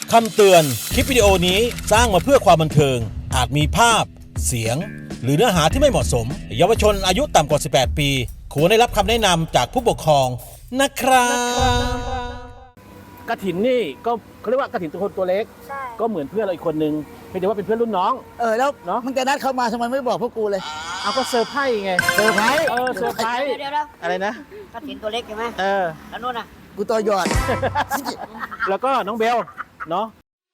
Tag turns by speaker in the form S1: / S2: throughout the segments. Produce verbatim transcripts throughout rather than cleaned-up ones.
S1: คำเตือนคลิปวิดีโอนี้สร้างมาเพื่อความบันเทิงอาจมีภาพเสียงหรือเนื้อหาที่ไม่เหมาะสมเยาวชนอายุต่ำกว่าสิบแปดปีควรได้รับคำแนะนำจากผู้ปกครองนะครับกฐินนี่ก็เขาเรียกว่ากฐินตัวคนตัวเล็กก็เหมือนเพื่อนเราอีกคนนึงเพียงแต่ว่าเป็นเพื่อนรุ่นน้อง
S2: เออแล้ว
S1: เนาะ
S2: มึงจะนัดเขามาทำไมไม่บอกพวกกูเลย
S1: เอาก็เซอร์ไพรส์ไง
S2: เซอร์ไพรส์
S1: เออเซอร์ไพรส์
S3: เดี๋ยวๆ
S1: อะไรนะ
S3: กฐินตัวเล็กใช่ไหม
S1: เออ
S3: แล้วนู่นน่ะ
S2: กูตัวหยอด
S1: แล้วก็น้องเบลเนาะ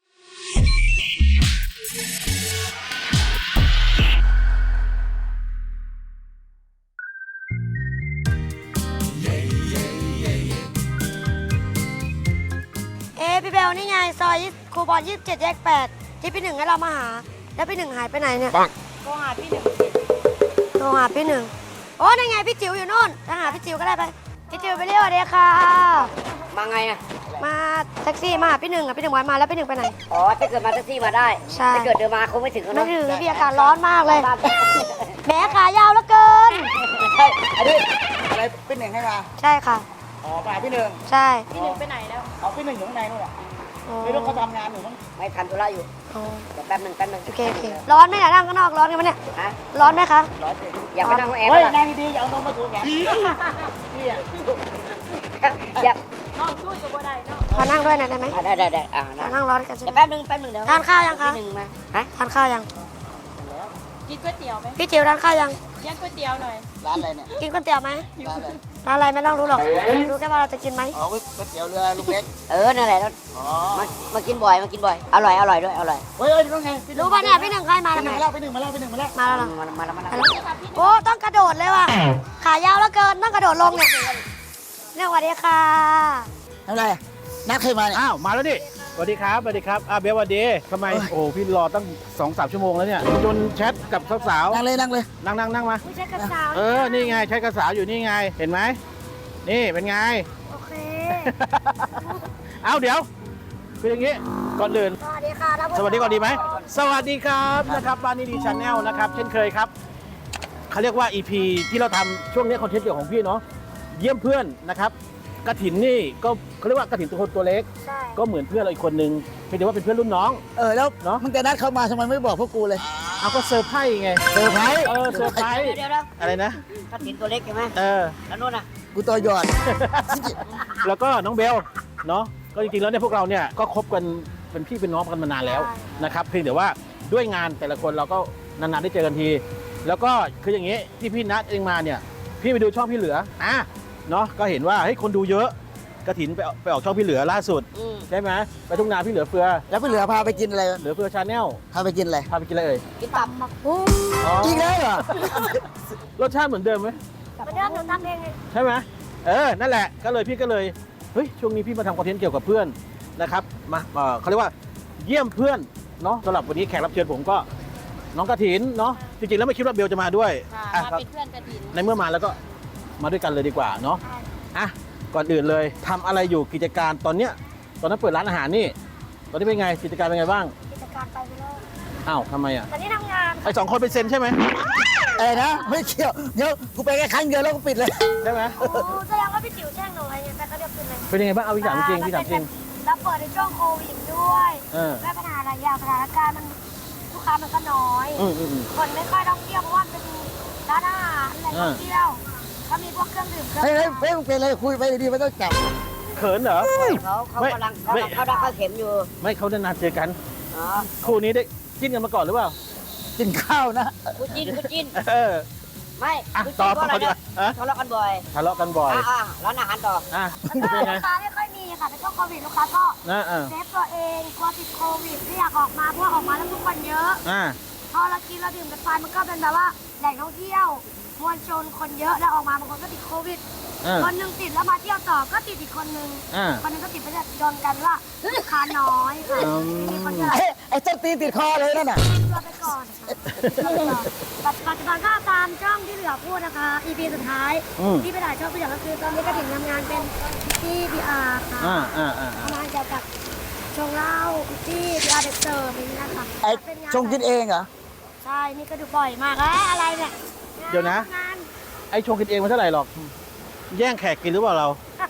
S4: เอ๊ะพี่เบลนี่ไงซอยครูบอลยี่สิบเจ็ดแยกแปดที่พี่หนึ่งให้เรามาหาแล้วพี่หนึ่งหายไปไหนเนี่ยโทรหาพี่หนึ่งโทรหาพี่หนึ่งโอ้นั่นไงพี่จิ๋วอยู่นู่นถ้าหาพี่จิ๋วก็ได้ไปพี่จิ๋วไปเรียกว่าเดียค่ะ
S3: มาไงอ่ะ
S4: มาแท็กซี่มาหาพี่หนึ่งอ่ะพี่หนึ่งวันมาแล้วพี่หนึ่งไปไหน
S3: อ๋อถ้าเกิดมาแท็กซี่มาได้
S4: ใช่
S3: ถ้าเกิดเดินมาคงไม่ถึงแล้ว
S4: ไม่
S3: เนาะ
S4: ถึงพี่อากาศร้อนมากเลยแหมขายาวแล้วเกิน
S2: ใช่อันนี้อะไรพี่หนึ่งให้มา
S4: ใช่ค่ะ
S2: อ๋อมาพี่หนึ่ง
S4: ใช่
S2: พี่หนึ่งไปไหนแล้วเอาพี่หนึ่งอยู่ข้างในนู่นแหละไม่รู้เขาทำงานอยู่มั้ง
S3: ไม่ทำธุระอยู่เดี๋ยวแป๊บหนึ่งแป๊บหนึ่ง
S4: โอเคโอเคร้อนไหมเนี่ยนั่งข้างนอกร้อนกันไหมเนี่ย
S3: ฮะ
S4: ร้อนไหมคะ
S2: ร้อยเจ็ด
S3: อยากไปนั่งห้องแอร์
S2: เฮ้ย
S3: ป่ะ
S2: นั่งดีๆอย่าเอานมมาถูแขนพี่อ่ะ
S3: อยาก
S4: ขอนั่งด้วยหน่อยได้ไหม
S3: อ่ะได้ได้ได้อ่า
S4: ขอ
S3: นะ
S4: นั่งร้อนกันใช่ไหม
S3: เดี๋ยวแป๊บหนึ่งแป๊บหนึ่งเดี๋ยว
S4: ทานข้าวยังคะ
S3: พี่หนึ่งมาฮะ
S4: ทานข้าวยัง
S5: กินก๋วยเตี๋ยวไหม
S4: พี่จิ๋วทานข้าวยัง
S5: เลี้ยงก๋วยเตี๋ยวหน่อย
S2: ร้านอะไรเนี่ย
S4: กินก๋วยเตี๋ยวไหม
S2: ร้านอะไร
S4: ร้านอะไรไม่ต้องรู้หรอกรู้แค่ว่าเราจะกินไหม
S2: อ๋อก๋วยเตี๋ยวเรือลุงเล็ก
S3: เออนั่นแหละแล้ว
S2: อ๋อ
S3: มามากินบ่อยมากินบ่อยอร่อยอร่อยด้วยอร่อย
S2: เฮ้ยเฮ้ยต้องไง
S4: รู้ป่ะเนี่ยพี่หนึ่งใครมา
S2: พี่
S4: แล้ว
S2: ห
S4: ไห
S2: นึ่
S4: ม
S2: งมาแล้วพี่หนึ่งมาแล้วพี่หนึ่งมาแล้ว
S4: มาแล้วเหรอ
S3: มาแล้วมาแล้วมาแล้ว
S4: มาแล้วโอ้ต้องกระโดดเลยว่ะขายาวแล้วเกินต้องกระโดดลงเนี่ยเนี่ยสวัสดีค่ะ
S2: อะไรนัดใครมาเนี่ย
S1: อ้าวมาแล้วดิสวัสดีครับสวัสดีครับอ่าเบลสวัสดีทำไมโอ้พี่รอตั้งสองสามชั่วโมงแล้วเนี่ยจนแชทกับสาว
S2: นั่งเลยนั่งเลย
S1: ๆนั่งนั่งนั่งมา
S4: ไม่ใช่กระสาว
S1: เออ นี่ไงใช้กระสาวอยู่นี่ไง เห็นไหม นี่เป็นไง
S4: โอเค
S1: เอาเดี๋ยว คืออย่างนี้ ก่อนอื่น
S4: สวัสดีค่ะ
S1: สวัสดีก่อนดีไหม สวัสดีครับนะครับบ้านนี้ดีชาแนลนะครับ เช่นเคยครับ เขาเรียกว่า อี พี ที่เราทำช่วงนี้คอนเทนต์เกี่ยวของพี่เนาะ เยี่ยมเพื่อนนะครับกฐินนี่ก็เขาเรียกว่ากฐินตัวคนตัวเล็ก
S4: ใช่
S1: ก็เหมือนเพื่อนเราอีกคนนึงเพียงแต่ว่าเป็นเพื่อนรุ่นน้อง
S2: เออแล้ว
S1: เนอะ
S2: มึงจะนัดเขามาทำไมไม่บอกพวกกูเลย
S1: เอาก็เซอร์ไพรส์ไง
S2: เซอร์ไพรส์
S1: เออ เซอร์ไพรส์
S3: เดี๋ยวเดี๋ยว
S1: อะไรนะ
S3: กฐินตัวเล็กใช่ไหม
S1: เออ
S3: แล้วนู่นน่ะ
S2: กูตัวหยอด
S1: แล้วก็น้องเบลเนาะก็จริงๆแล้วเนี่ยพวกเราเนี่ยก็คบกันเป็นพี่เป็นน้องกันมานานแล้วนะครับเพียงแต่ว่าด้วยงานแต่ละคนเราก็นานๆได้เจอกันที แล้วก็คืออย่างนี้ที่พี่นัดเองมาเนี่ยพี่ไปดูช่องพี่เหลืออ่ะเนาะก็เห็นว่าเฮ้ยคนดูเยอะกฐินไปไปออกช่องพี่เหลือล่าสุด
S3: อืม
S1: ใช่ไหมไปทุ่งนาพี่เหลือเฟือ
S2: แล้วพี่เหลือพาไปกินอะไร
S1: เหลือเฟือชาแนล
S2: พาไปกินอะไร
S1: พาไปกินอะไรเอ่ย
S3: กินตับ
S4: มาปุ้ง
S1: อ๋อ
S2: อีกแล้วเหรอ
S1: รสชาติเหมือนเดิมไหม
S4: มาเดิมหนูทำเองไง
S1: ใช่ไหมเออนั่นแหละก็เลยพี่ก็เลยเฮ้ยช่วงนี้พี่มาทำคอนเทนต์เกี่ยวกับเพื่อนนะครับมาเอ่อเขาเรียกว่าเยี่ยมเพื่อนเนาะสำหรับวันนี้แขกรับเชิญผมก็น้องกฐินเนาะจริงๆแล้วไม่คิดว่าเบลจะมาด้วย
S5: ค่ะ
S1: อ่ะ
S5: มา
S1: ครับ
S5: เป็นเพื่อนกฐิน
S1: ในเมื่อมาแล้วก็มาด้วยกันเลยดีกว่าเนาะอ่ะก่อนอื่นเลยทำอะไรอยู่กิจการตอนเนี้ยตอนนั้นเปิดร้านอาหารนี่ตอนนี้เป็นไงกิจการเป็นไงบ้าง
S4: กิจการไปไปแล้ว
S1: อ้าวทำไมอ่ะ
S4: ตอนนี้ทำงาน
S1: ไอสองคนเป็นเซนใช่ไหม
S2: อะไรนะไม่เกี่ยวเดี๋ยวกูไปแค่ครั้งเดียวแล้วก็ปิดเลย
S1: ใช่ไหม
S4: โอ้แสดงว่าพี่จิ๋วแช่งหนูไงเนี่ยแต่ก็เรียกขึ้นเลย
S1: เป็นยังไงบ้างเอาพี่ถามจริงพี่ถามจริง
S4: แล้วเปิดในช่วงโควิดด้วย
S1: เออ
S4: แก้ปัญหาหลายอย่างสถานการณ์มันลูกค้ามันก็น้อย
S1: อืมอืมอืม
S4: คนไม่ค่อยท่องเที่ยวเพราะว่าเป็นร้านอาหารแหล่งท่องเที่ยวก็มีพวกเครื่องดื่มเครื่อง
S2: เฮ้ยเฮ้ย
S4: ดื่ม
S2: เฮ้ยมึงเป็นอะไรคุยไปดีๆไม่ต้องจับ
S1: เขินเหรอ
S3: เขาเขา
S1: ไม่
S3: กำลังเขา
S1: ไม่
S3: เขาดักเข้าเข็มอยู่
S1: ไม่เขานานๆเจอกัน
S3: อ๋อ
S1: คู่นี้ได้จิ้นกันมาก่อนหรือเปล่า
S2: กินข้าวนะ
S3: กูจิ้นกูจิ้น
S1: เออ
S3: ไม่
S1: อ่ะ
S3: กู
S1: ต่
S3: จิ้
S1: อน
S3: เพราะอะไร
S1: ต่อดี
S3: เนี่
S1: กว่าย ฮะ
S3: ทะเลาะกันบ่อย
S1: ทะเลาะกันบ่อย
S3: อ่ะอ่ะร้านอาหารต่อ
S1: อ่ะ
S4: แล้ว
S1: เป็น
S4: ก็
S1: ไง
S4: ลูกค้าไม่ค่อยมีค่ะในช่วงโควิดลูกค้าก็
S1: นะอ่ะ
S4: เซฟตัวเองกลัวติดโควิดไม่อยากออกมาเพราะว่าออกมาแล้วทุกคนเยอะ
S1: อ่ะ
S4: พอเรากินเราดื่มกันไปมันก็เป็นแบบว่าแหล่งท่องเที่ยวมวลชนคนเยอะแล้วออกมาบางคนก็ติดโควิด
S1: อ่ะ
S4: คนหนึ่งติดแล้วมาเที่ยวต่อก็ติดอีกคนหนึ่ง
S1: อ่ะ
S4: คนหนึงก็ติดไปโดนกันว่าลูกค้าน้อยค่ะ
S1: อืม
S4: มีคนเยอะ
S2: ไอ้ไอ้เจ้าตีนติดคอเลยนั่นน่ะ
S4: เราไปก่อนปัจจุบันก็ตามช่องที่เหลือพูดนะคะ อี พี สุดท้าย
S1: อืม
S4: ที่ไปถ่ายช่องพี่เหลือก็คือตอนนี้ก็ถึงทำงานเป็นที่ พี อาร์ ค่ะ
S1: อ่ะอ่ะอ่ะ
S4: ทำงานเกี่ยวกับชงเหล้าที่ พี อาร์ เด็กเสิร์ฟอย่างนี้นะคะ
S2: ไอ้
S4: เป็นงาน
S2: ชงกินเองเหรอ
S4: ใช่นี่ก็ดูบ่อยมากเอ้ยอะไรเนี่ย
S1: เดี๋ยวนะ
S4: งาน
S1: ไอชงกินเองมันเท่าไหร่หรอก แย่งแขกกินหรือเปล่าเรา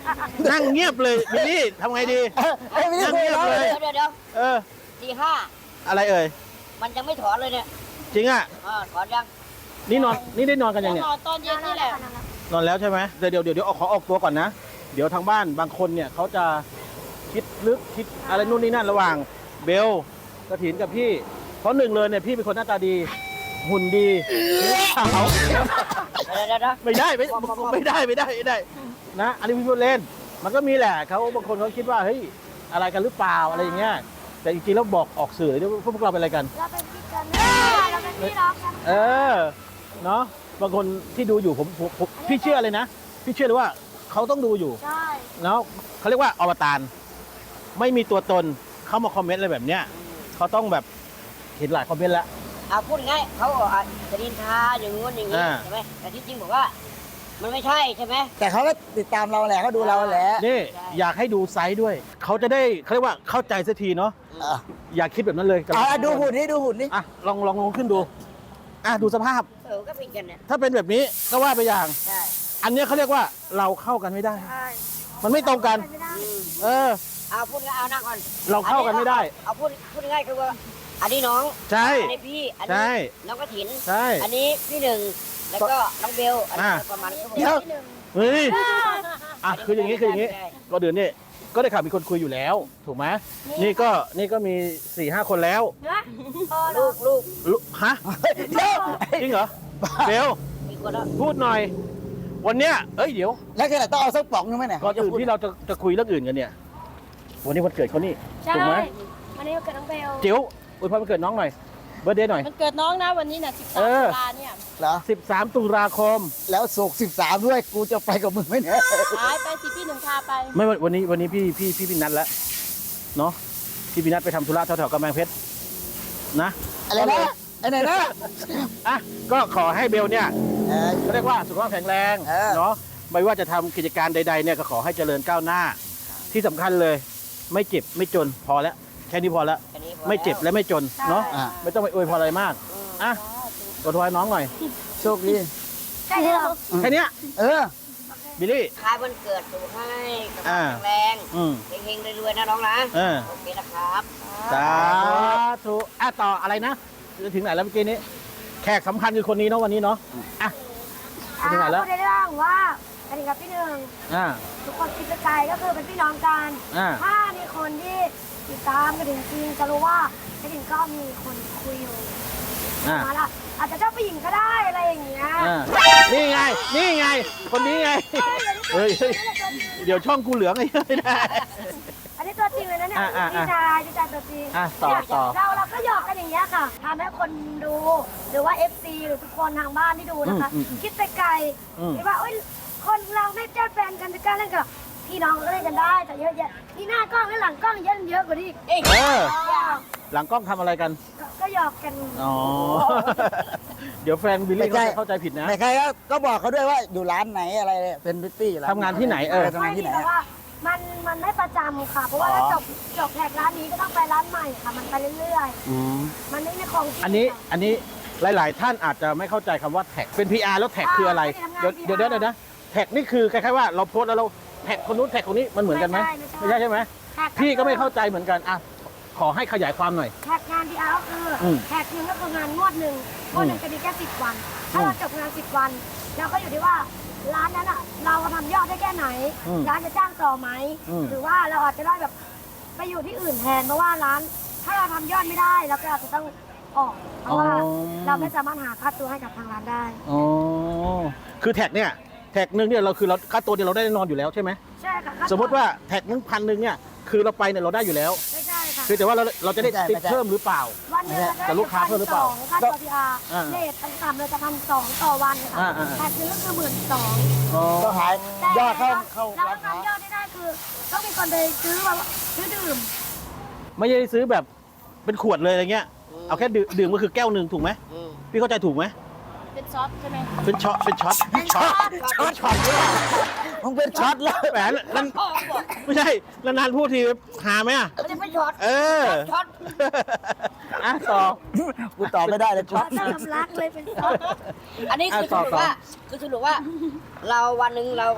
S1: นั่งเงียบเลยบิลลี่ทำไงดี
S6: เอ้ยไม่ได้
S1: นั่ง
S6: คุย
S1: เงียบ
S6: แล้ว
S1: เลย
S3: เดี๋ยวเดี๋ยวเดี๋ยว
S1: เออ
S3: ตีห้า
S1: อะไรเอ่ย
S3: มันยังไม่ถอนเลยเนี่ย
S1: จริงอ่ะ
S3: อ่าถอนยัง
S1: นี่นอนนี่ได้นอนกันยัง
S5: น
S1: เนี่ย
S5: อนตอนเย็นนี่แหละ
S1: นอนแล้วใช่ไหมเดี๋ยวเดี๋ยวเดี๋ยวเดี๋ยวขอออกตัวก่อนนะ เดี๋ยวทางบ้านบางคนเนี่ยเขาจะคิดลึกคิดอะไรนู่นนี่นั่นระหว่างเบลกระถินกับพี่ เพราะหนึ่งเลยเนี่ยพี่เป็นคนหน้าตาดี หุ่นดีขาว
S3: เดี๋ยวเดี๋ยวเดี๋ยว
S1: ไม่ได้ไม่ไม่ได้ไม่ได้ไม่ได้นะ อันนี้พี่พูดเล่น มันก็มีแหละเขาบางคนเขาคิดว่าเฮ้ยอะไรกันหรือเปล่าอะไรอย่างเงี้ยแต่จริงๆแล้วบอกออกสื่อเลยว่าพวกเราเป็นอะไรกัน
S4: เราเป็นพี่กันเราเป็นพี่น้องกัน
S1: เออเนาะบางคนที่ดูอยู่ผมผมผมพี่เชื่อเลยนะ พี่เชื่อเลยว่าเขาต้องดูอยู่
S4: ใช่
S1: แล้วเขาเรียกว่าอวตารไม่มีตัวตนเข้ามาคอมเมนต์อะไรแบบเนี้ยเขาต้องแบบเห็นหลายคอมเมนต์แล้ว
S3: เอาพูดง่ายเขาบอกอ่ะจะนินทาอย่างงู้นอย่างนี้
S1: อ่า
S3: ใช่ไหมแต่ที่จริงบอกว่า มันไม่ใช่ใช่ไหม
S6: แต่เขาก็ติดตามเราแหละเขาดูเราแหละ
S1: นี่อยากให้ดูไซส์ด้วย เขาจะได้เขาเรียกว่าเข้าใจสักทีเนาะ
S6: เออ
S1: อย่าคิดแบบนั้นเลย
S6: เอาอ่ะดูหุ่นนี่ดูหุ่นนี่
S1: อ่ะลองลองลองขึ้นดูอ่ะดูสภาพ
S3: เออก็เป็นกันเนี่ย
S1: ถ้าเป็นแบบนี้ก็ว่าไปอย่าง
S3: ใช่
S1: อันเนี้ยเขาเรียกว่าเราเข้ากันไม่ได้
S4: ใช่
S1: มันไม่ตรงกัน
S4: ไม่ได้
S3: อืม
S1: เออ
S3: เอาพูดง่ายเอานั่งก่อน
S1: เราเข้ากันไม่ได้
S3: เอาพูดพูดง่ายคือว่า อันนี้น้อง
S1: ใช่
S3: อันนี้พี่ อัน
S1: ใช่
S3: นี้น้องกระถิน
S1: ใช่
S3: อันนี้พี่หนึ่ง แล้วก็น้องเบล อันนี้
S1: อ่า
S3: ประมาณนี้ครับผม
S6: เดี๋ยว
S1: เฮ้ยอ่ะคืออย่างนี้คืออย่างนี้
S3: ใช่
S1: ก็เดือนนี้ก็ได้ข่าวมีคนคุยอยู่แล้ว ถูกไหมนี่ก็นี่ก็มีสี่ห้าคนแล้ว
S4: นะพอ
S3: ลูกลูก
S1: ลุฮะ
S6: เดี๋ยว
S1: จริงเหรอเบล
S3: มีคนแล้ว
S1: พูดหน่อย วันเนี้ยเอ้ยเดี๋ยว
S6: แล้วแค่ไหนต้องเอาสักป๋องนึงไหมเนี่ย
S1: ก่อนอื่นที่เราจะจะคุยเรื่องอื่นกันเนี่ย วันนี้วันเกิดเขานี่
S4: ใช่
S1: ถูกไหม
S4: วันนี้วันเกิดน้องเบล
S1: เจียวอวยพรวันเกิดน้องหน่อยเบอร์เดย์หน่อย
S5: มันเกิดน้องนะวันนี้น่ะสิบสา
S1: เอ
S5: ม
S1: อ
S5: ตุลาเนี่ย
S6: เหรอ
S1: สิบสามตุลาคม
S6: แล้วโศกสิบสามด้วยกูจะไปกับมึงไหมเนี่ย
S5: หายไปสิพี่หนึ่งพาไป
S1: ไม่วันวันนี้วันนี้พี่พี่พี่พี่นัดแล้วเนาะพี่พี่นัดไปทำธุระแถวๆกำแพงเพชรนะ
S6: อะไรนะไอ้ไหนนะ
S1: อ่ะก็ขอให้เบลเนี่ย
S6: เออ
S1: เขาเรียกว่าสุขภาพแข็งแรง
S6: เออ
S1: เนาะไม่ว่าจะทำกิจการใดๆเนี่ยก็ขอให้เจริญก้าวหน้า ที่สำคัญเลย ไม่เจ็บไม่จนพอแล้วแค่นี้พอแล้ว
S3: อันนี้พอ
S1: ไม่เจ็บและไม่จนเนาะ
S6: อ่ะ
S1: ไม่ต้องไปอวยพรอะไรมากอ่ะอวยพรน้องหน่อย
S6: โชคดี
S4: ใช่เหรอ
S1: แค่เนี้ย
S6: เออ
S1: บิลลี่
S3: คล้ายวันเกิดสุขให้สุข
S1: อ่า
S3: ภาพแข็งแรง
S1: อืม
S3: เฮงๆรวยๆนะน้องนะ
S1: เออ
S3: โอเคนะครับ
S1: สาธุอ่ะต่ออะไรนะจะถึงไหนแล้วเมื่อกี้นี้แขกสำคัญคือคนนี้เนาะวันนี้เนาะอ่ะไปถึงไหนแล้ว
S4: พูดได้บ้างว่ากระดิ่งกับพี่หนึ่ง
S1: อ่า
S4: ทุกคนคิดไกลก็คือเป็นพี่น้องกัน
S1: อ่า
S4: ถ้ามีคนที่ติดตามกระดิ่งจริงจะรู้ว่ากระดิ่งก็มีคนคุยอยู่
S1: อ่า
S4: มาละอาจจะเจ้าผู้หญิงก็ได้อะไรอย่างเงี้ย
S1: อ่านี่ไง นี่ไง คนนี้ไง เฮ้ยเฮ้ยเดี๋ยวช่องกูเหลืองไงไม่ได้
S4: อันนี้ตัวจริงเลยนะเนี่ย
S1: อ่ะอ่ะอ่ะ
S4: พี่ชายพี่ชายตัวจริง
S1: อ่ะต่อต่อ
S4: เราเราก็หยอกกันอย่างเงี้ยค่ะทำให้คนดูหรือว่า เอฟ ซี หรือทุกคนทางบ้านที่ดูนะคะ
S1: อืมอืม
S4: คิดไปไกล
S1: อืม
S4: คิดว่าเอ้ยคนเราไม่ใช่แฟนกันจะกล้าเล่นกับพี่น้องก็เล่นกันได้แต่เยอะแยะที่หน้ากล้องและหลังกล้องเยอะเยอะกว่านี้อีก
S3: เอ้ย
S1: เออ
S4: หยอก
S1: หลังกล้องทำอะไรกัน
S4: ก็ก็หยอกกัน
S1: อ๋อ เดี๋ยวแฟนบิลลี่เขาจะเข้าใจผิดนะ
S6: ใครๆก็ก็บอกเขาด้วยว่าอยู่ร้านไหนอะไรเนี่ยเป็นพิตตี้ร้าน
S1: ทำงานที่ไหนเออ
S6: ทำงานที่ไหน
S4: แต่ว่ามันมันไม่ประจำค่ะ เพราะว่าถ้าจบจบแท็กร้านนี้ก็ต้องไปร้านใหม่ค่ะ มันไปเรื่อย
S1: อืม
S4: ๆ มันไม่ได้คงที่
S1: อันนี้
S4: ค่ะ
S1: อันนี้หลาย ๆ ท่านอาจจะไม่เข้าใจคำว่าแท็ก เป็น พี อาร์ แล้วแท็กคืออะไร
S4: อ่า
S1: เดี๋ยว
S4: ไม่ได้ทำงาน
S1: เดี๋ยวเดี๋ยวเดี๋ยวนะ แท็กนี่คือคล้ายๆว่าเราโพสต์แล้วเราแท็กคนนู้นแท็กคนนี้มันเหมือนกันไหม
S4: ไม่
S1: ไม่
S4: ใช่
S1: ใช่ใช่ไหม
S4: แท็ก
S1: พี่ก็ไม่เข้าใจเหมือนกัน อ่ะ ขอให้ขยายความหน่อย
S4: แท็กงานพีอาร์ก็คืออ
S1: ม
S4: แท็กหนึ่งก็คืองานงวดหนึ่งงวดหนึ่งจะมีแค่สิบวัน ถ้าเราจบงานสิบวันเราก็อยู่ที่ว่าร้านนั้นอ่ะ เราทำยอดได้แค่ไหน
S1: อืม
S4: ร้านจะจ้างต่อไหม
S1: อืม
S4: หรือว่าเราอาจจะได้แบบไปอยู่ที่อื่นแทนเพราะว่าร้าน ถ้าเราทำยอดไม่ได้เราก็อาจจะต้องออกเพราะว่าเราไม่สามารถหาค่าตัวให้กับทางร้านได้
S1: อ๋อ คือแท็กเนี่ย แท็กหนึ่งเนี่ยเราคือเราค่าตัวเดียวเราได้แน่นอนอยู่แล้วใช่ไหม
S4: ใช่ค่ะ
S1: สมมติว่าแท็กหนึ่งพันหนึ่งเนี่ย คือเราไปเนี่ยเราได้อยู่แล้ว
S4: ไม่ใช่ค่ะ
S1: คือแต่ว่าเราเราจะได้
S6: ไม่ใช่
S1: ติด
S6: ไม่ใช่
S1: เพิ่มหรือเปล่า
S4: วันหนึงเรา
S1: แต่ลูกค้าเพิ่มหรือเปล่า
S4: ค่าตัวพีอาร์
S1: อ่า
S4: เลทต่ำๆเราจะพันสองต่อวันค่ะ
S1: อ่าอ่า
S4: แท็กหนึงก็คือหมื่นสอง
S1: อ๋อ
S6: ก็หายยอดเข้าเข้า
S4: เรา
S6: ร้านค้า
S4: ทำยอดได้ได้คือต้องมีคนไปซื้อแบบซื้อดื่ม
S1: ไม่ใช่ซื้อแบบเป็นขวดเลยอะไรเงี้ย เอาแค่ดื่มดื่มก็คือแก้วหนึ่งถูกไหม
S3: อืม
S1: พี่เข้าใจถูกไหม
S5: เป็นซอสใช่ไหม
S1: เป็นช็อต เป็นช็อต ช็อต ช็อต ช็อต
S6: มึงเป็นช็อตแล้ว
S1: แหมนั่น
S3: พ่อบอก
S1: ไม่ใช่นานๆพูดทีหาไหมอ่ะ
S3: ไม่ได้ไม่ช็อต
S1: เออ
S3: ช็อต
S1: อ่ะต่อ
S6: กูตอบไม่ได้เลยช็อต
S4: ถ้าทำรักเลยเป็นต้น
S3: อันนี้คือส
S1: อ่ะต่อ
S3: รุป
S1: ต่อ
S3: ว่า คือสรุปว่า เราวันหนึ่งเราก็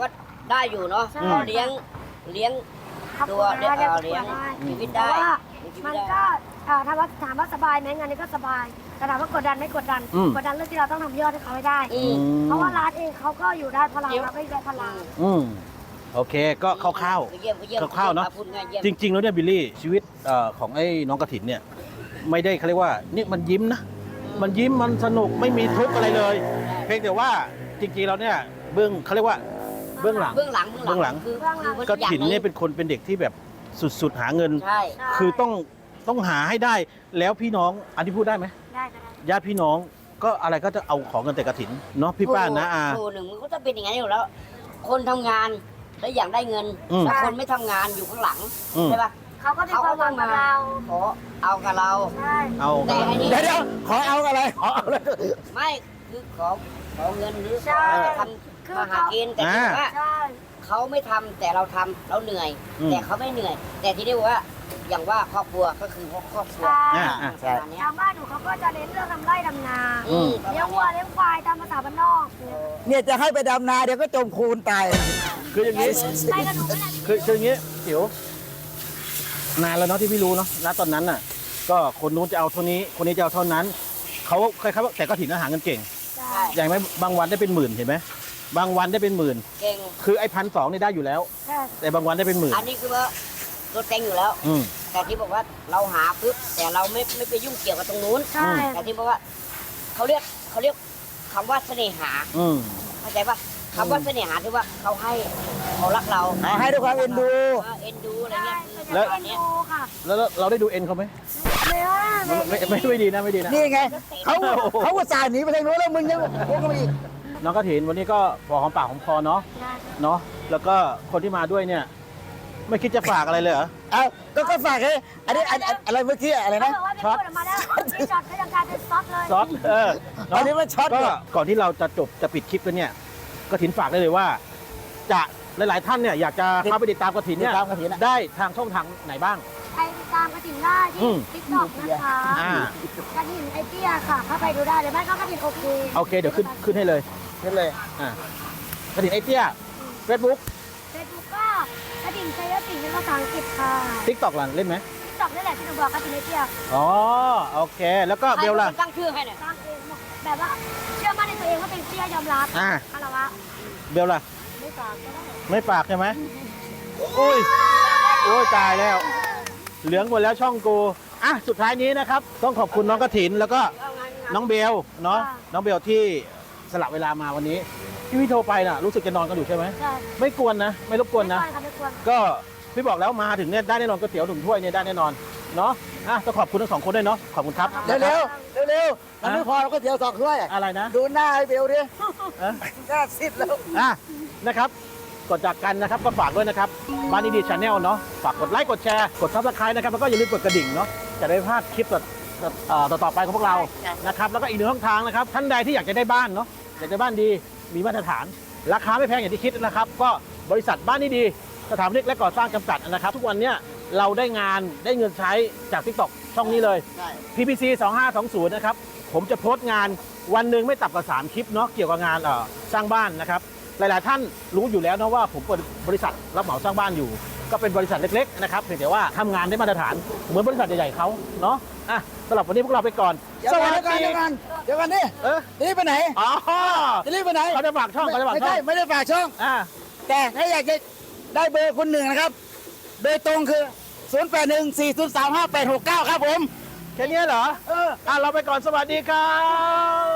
S3: ได้อยู่เนาะ
S4: ใช่
S3: เราเลี้ยงเลี้ยง
S4: ครับ
S3: ตัวเลี้ยง
S4: เลี้ยง
S3: เอ่อเลี้ยง
S4: ได้
S3: ชีวิต
S4: แต่
S3: ได้
S4: ว่า
S3: เลี้ยงชีวิ
S4: มั
S3: ต
S4: น
S3: ได้
S4: ก็เอ่อถามว่าถามว่าสบายไหมงานนี้ก็สบายแต่ถามว่ากดดันไม่กดดัน
S1: อืม
S4: กดดันเรื่องที่เราต้องทำยอดให้เขาให้ได้
S3: อืม
S4: เพราะว่าร้านเองเขาก็อยู่ได้เพราะเราเราก็อยู่ได้เพราะเรา
S1: อืมโอเคก็คร่าว
S3: เยี่ยมเยี่ยม
S1: คร่าวๆเนอะ
S3: พูดง่ายเยี่ยม
S1: ๆจริง ๆ แล้วเนี่ยบิลลี่ชีวิตเอ่อของไอ้น้องกระถินเนี่ยไม่ได้เขาเรียกว่านี่มันยิ้มนะมันยิ้มมันสนุกไม่มีทุกข์อะไรเลย เพียงแต่ว่าจริงๆแล้วเนี่ยเบื้องเขาเรียกว่าเบื้องหลัง
S3: เบื้องหลัง
S1: เบื้องหลัง
S3: คือ
S4: เบื้องหลัง
S3: คื
S1: กระถินเนี่ยเป็นคนเป็นเด็กที่แบบสุดๆหาเงิน
S3: ใช่
S1: คือต้องต้องหาให้ได้แล้วพี่น้องอันที่พูดได้ไหม
S4: ได้ก็ได้
S1: ญาติพี่น้องก็อะไรก็จะเอาของเงินแต่กระถินเนาะพี่ป้านะอา
S3: ครูหนึ่งมันก็จะเป็นอย่างนั้นอยู่แล้ว คนทำงานแล้วอยากได้เงิน
S1: อืม
S3: แต่คนไม่ทำงานอยู่ข้างหลัง
S1: อืม
S3: ใช่ปะ
S4: เขาก็มีความหวังกับเรา
S3: ขอเอากับเรา
S4: ใช่
S1: เอา
S3: แต่อันนี้
S6: เดี๋ยวเดี๋ยวขอเอาอะไรขอเอาอะไร
S3: ไม่คือขอขอเงินหรือ
S4: ใช่
S3: ขอทำมาหากินแต่ที่ว่า
S4: ใช่
S3: เขาไม่ทำแต่เราทำเราเหนื่อย
S1: อืม
S3: แต่เขาไม่เหนื่อย แต่ที่เรียกว่าอย่างว่าครอบครัวก็คือครอบครัว
S4: ใช่
S1: อ่าอ่า
S3: ประมาณเนี้ย
S4: ทางบ้านหนูเขาก็จะเน้นเรื่องทำไร่ดำนา
S1: อืม
S3: ประ
S4: เลี้ย
S3: มาง ณ
S4: วัว
S3: เนี้ย
S4: เลี้ยงควายตามภาษาบ้านนอกเนี่ย
S6: เนี่ยจะให้ไปดำนาเดี๋ยวก็จมคูนตาย
S1: คืออย่างนี้
S4: ไปกับหนูไม่ได้
S1: คือคืออย่างนี้จิ๋วนานแล้วเนาะที่พี่รู้เนาะณตอนนั้นน่ะ ก็คนนู้นจะเอาเท่านี้คนนี้จะเอาเท่านั้นเขาคล้ายๆว่าแต่ก็ถินอาหารเงินเก่ง
S4: ใช่
S1: อย่างไหมบางวันได้เป็นหมื่นเห็นไหมบางวันได้เป็นหมื่น
S3: เก่ง
S1: คือไอ้พันสองนี่ได้อยู่แล้ว
S4: ใช่
S1: แต่บางวันได้เป็นหมื่น
S3: อันนี้คือว่าตัวเต็งอยู่แล้ว
S1: อืม
S3: แต่ที่บอกว่าเราหาปุ๊บแต่เราไม่ไม่ไปยุ่งเกี่ยวกับตรงนู้น
S4: ใช่
S3: แต่ที่บอกว่าเขาเรียกเขาเรียกคำว่าเสน่หา
S1: อืม
S3: เข้าใจปะคำว่าเสน่หาที่ว่าเขาให้เขารักเรา
S6: เอาให้ด้วยความเอ็นดู
S3: เออเอ็นดูอะไร
S4: ใช่
S3: เงี้ยคือ
S4: แล้ว
S3: ประมาณเนี้ย
S4: ดูค่ะ
S1: แล้วเราได้ดูเอ็นเขาไหม
S4: ไม่ว่าไม่
S1: ไม่ไม่ไม่ดีนะไม่ดีนะ
S6: นี่ไงเขาเขาก็สายหนีไปทางโน้นแล้วมึงยังโอ้ก็มาอีก
S1: น้องกระถินวันนี้ก็พอหอมปากหอมคอเนาะ
S4: ได้
S1: เนาะแล้วก็คนที่มาด้วยเนี่ย ไม่คิดจะฝากอะไรเลยเหรอ
S6: เอาก็ก็ฝากให้อันนี้อันอันอะไรเมื่อกี้อะไร
S4: เขา
S6: นะ
S4: บอกว่าเป็นพูดออกมาแล้วพี่ช็อตก็ยังกลายเป็นซอสเลย
S1: ซอสเออ
S6: อัน
S1: เนาะ
S6: นี้มันช็อต
S1: ก็
S6: เนี่ย
S1: ก่อนที่เราจะจบจะปิดคลิปกันเนี่ยกระถินฝากได้เลยว่า จะหลาย ๆ ท่านเนี่ยอยากจะเข้าไปติดตามกระถินเนี่ย
S6: ติดตามกฐินอะ
S1: ได้ทางช่องทางไหนบ้าง
S4: ไปติดตามกระถิ่นได้
S1: อื
S4: ที่
S1: ม
S4: ทิกตอกนะคะ
S1: อ่า
S4: กระถิ่นไอเตี้ยค่ะเข้าไปดูได้หรือไม่ก็กระถิ่นโอเค
S1: โอเคเดี๋ยวขึ้นขึ้นให้เลย
S6: นี่เลย
S1: อ่า กระถินไอเตี้ยเฟซบุ๊ก
S4: เฟซบุ๊กก็กระถิ่นชัยสิงห์เป็นภาษาอังกฤษค่ะ
S1: ทิกตอกล่ะเล่นไหม
S4: ทิกตอกนี่แหละที่หนูบอกกระถิ่นไอเตี้ย
S1: อ๋อโอเค แล้วก็เบลล่ะ
S3: ใครเป็นคนตั้งชื่อให้เนี่ย
S4: สร้างเองแบบว่าเชื่อมั่นในตัวเองว่าเป็นเตี้ยยอมรับ
S1: อ่า
S4: คารวะ
S1: เบลล่ะ
S4: ไม่ฝากก็ได้
S1: ไม่ปากใช่ไหมอุ้ยโอ้ยตายแล้ว เหลืองหมดแล้วช่องกูอ่ะสุดท้ายนี้นะครับ ต้องขอบคุณน้องกระถินแล้วก็น้องเบลเนาะน้องเบลที่สละเวลามาวันนี้ที่พี่โทรไปน่ะรู้สึกจะนอนกันอยู่ใช่ไหม
S4: ใช่
S1: ไม่กวนนะ ไม่รบกวนนะ
S4: ไม่ควรค่ะไม่ควร
S1: ก็พี่บอกแล้วมาถึงเนี่ยได้แน่นอนก๋วยเตี๋ยวหนึ่งถ้วยเนี่ยได้แน่นอนเนาะอ่ะต้องขอบคุณทั้งสองคนด้วยเนาะขอบคุณครับ
S6: เร็วเร็วเร็วเร็วๆมันไม่พอเราก็เดี๋ยวสอกด้วย
S1: อะไรนะ
S6: ดูหน้าไอ้เบลดิ
S1: เอ๊ะ
S6: หน้าซิดแล้ว
S1: อ่ะนะครับกดจากกันนะครับก็ฝากด้วยนะครับบ้านดีๆชาแนลเนาะฝากกดไลค์กดแชร์กดซับสไครต์นะครับแล้วก็อย่าลืมกดกระดิ่งเนาะจะได้ไม่พลาดคลิปต่อเอ่อต่อๆไปของพวกเรานะครับแล้วก็อีกหนึ่งช่องทางนะครับท่านใดที่อยากจะได้บ้านเนาะอยากจะบ้านดีมีมาตรฐาน ราคาไม่แพงอย่างที่คิดนะครับ ก็บริษัทบ้านดีๆสถาปนิกและก่อสร้างจำกัดนะครับ ทุกวันเนี้ยเราได้งานได้เงินใช้จาก ทิกตอก ช่องนี้เลย พี พี ซี สองห้าสองศูนย์นะครับผมจะโพสต์งานวันหนึ่งไม่ต่ำกว่าสามคลิปเนาะเกี่ยวกับงานเอ่อสร้างบ้านนะครับหลายๆท่านรู้อยู่แล้วนะว่าผมเปิดบริษัทรับเหมาสร้างบ้านอยู่ ก็เป็นบริษัทเล็กๆนะครับเพียงแต่ว่าทำงานได้มาตรฐานเหมือนบริษัทใหญ่ๆเขาเนาะอ่ะสำหรับวันนี้พวกเราไปก่อน
S6: เดี๋ยวกันเดี๋ยวกันเดี๋ยวกันเดี๋ยวกันนี่
S1: เออ
S6: จะรีบไปไหน
S1: อ๋อ
S6: จะรีบไปไหน
S1: เขาจะฝากช่องเขาจะฝาก
S6: ไม่
S1: ช่อ
S6: ใช่
S1: ง
S6: ไม่ได้ฝากช่อง
S1: อ่า
S6: แต่ถ้าอยากจะได้เบอร์คนหนึ่งนะครับ โดยตรงคือ ศูนย์ แปด หนึ่ง สี่ ศูนย์ สาม ห้า แปด หก เก้า ครับผม
S1: แค่นี้เหรอ
S6: เออ
S1: อ่ะเราไปก่อนสวัสดีครับ